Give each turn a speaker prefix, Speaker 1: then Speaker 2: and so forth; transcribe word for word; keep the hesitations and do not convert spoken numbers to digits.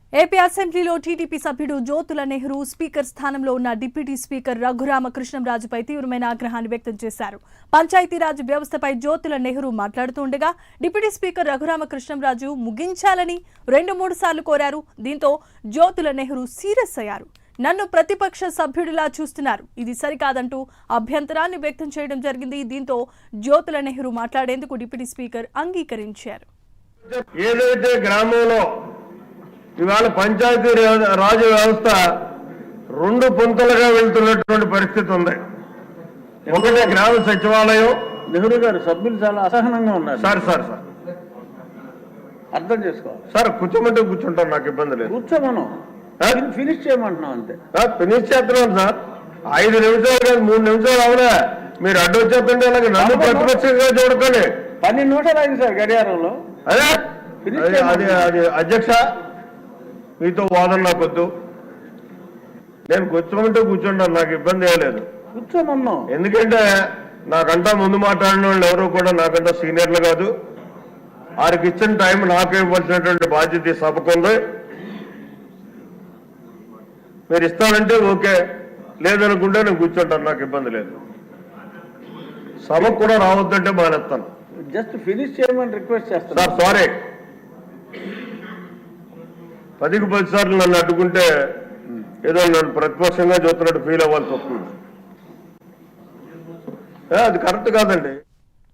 Speaker 1: AP అసెంబ్లీలో TDP సభ్యుడు Jyothula Nehru speaker స్థానంలో ఉన్న డిప్యూటీ స్పీకర్ రఘురామకృష్ణంరాజుపై తీవ్రమైన ఆగ్రహాన్ని వ్యక్తం చేశారు. పంచాయతీరాజ్ వ్యవస్థపై జ్యోతుల నెహ్రూ మాట్లాడుతుండగా డిప్యూటీ స్పీకర్ రఘురామకృష్ణంరాజు ముగించాలని రెండు మూడు సార్లు కోరారు. దీంతో జ్యోతుల నెహ్రూ సీరియస్ అయ్యారు. నన్ను ప్రతిపక్ష సభ్యుడిలా చూస్తున్నారు, ఇది సరికాదంటూ అభ్యంతరాన్ని వ్యక్తం చేయడం జరిగింది. దీంతో జ్యోతుల నెహ్రూ మాట్లాడేందుకు డిప్యూటీ స్పీకర్ అంగీకరించారు.
Speaker 2: ఏదైతే గ్రామంలో ఇవాళ పంచాయతీ రాజ్ వ్యవస్థ రెండు పొంతలుగా వెళ్తున్నటువంటి పరిస్థితి ఉంది. ఒకటే గ్రామ సచివాలయం.
Speaker 3: నెహ్రూ గారు సభ్యులు చాలా అసహనంగా ఉన్నారు.
Speaker 2: సార్ సార్ సార్
Speaker 3: అర్థం చేసుకోవాలి
Speaker 2: సార్. కూర్చోమంటే కూర్చుంటాను, నాకు ఇబ్బంది లేదు.
Speaker 3: కూర్చోమను, ఫినిష్ చేయమంటున్నాం అంతే.
Speaker 2: ఫినిష్ చేస్తున్నాను సార్. ఐదు నిమిషాలు కాదు, మూడు నిమిషాలు అవునా మీరు అడ్డు వచ్చేస్తుంటే అలాగే నన్ను ప్రతిపక్షంగా చూడకండి.
Speaker 3: పన్నెండు నిమిషాలు అయింది సార్ గడియారంలో.
Speaker 2: అదే అది అది అధ్యక్ష, మీతో వాదన నాకొద్దు. నేను కూర్చోమంటే కూర్చుంటాను, నాకు ఇబ్బంది ఏం లేదు.
Speaker 3: కూర్చోమన్నాం.
Speaker 2: ఎందుకంటే నాకంటా ముందు మాట్లాడిన వాళ్ళు ఎవరు కూడా నాకంటా సీనియర్లు కాదు. వారికి ఇచ్చిన టైం నాకు ఇవ్వాల్సినటువంటి బాధ్యత సభకు ఉంది. మీరు ఇస్తానంటే ఓకే, లేదనుకుంటే నేను కూర్చుంటాను, నాకు ఇబ్బంది లేదు. సభకు కూడా రావద్దంటే మానేస్తాను.
Speaker 3: జస్ట్ ఫినిష్ చేయమని రిక్వెస్ట్ చేస్తాను
Speaker 2: సార్. సారీ, పదికి పది సార్లు నన్ను అడ్డుకుంటే ఏదో నన్ను ప్రతిపక్షంగా చూస్తున్నట్టు ఫీల్ అవ్వాల్సి వస్తుంది. అది కరెక్ట్ కాదండి.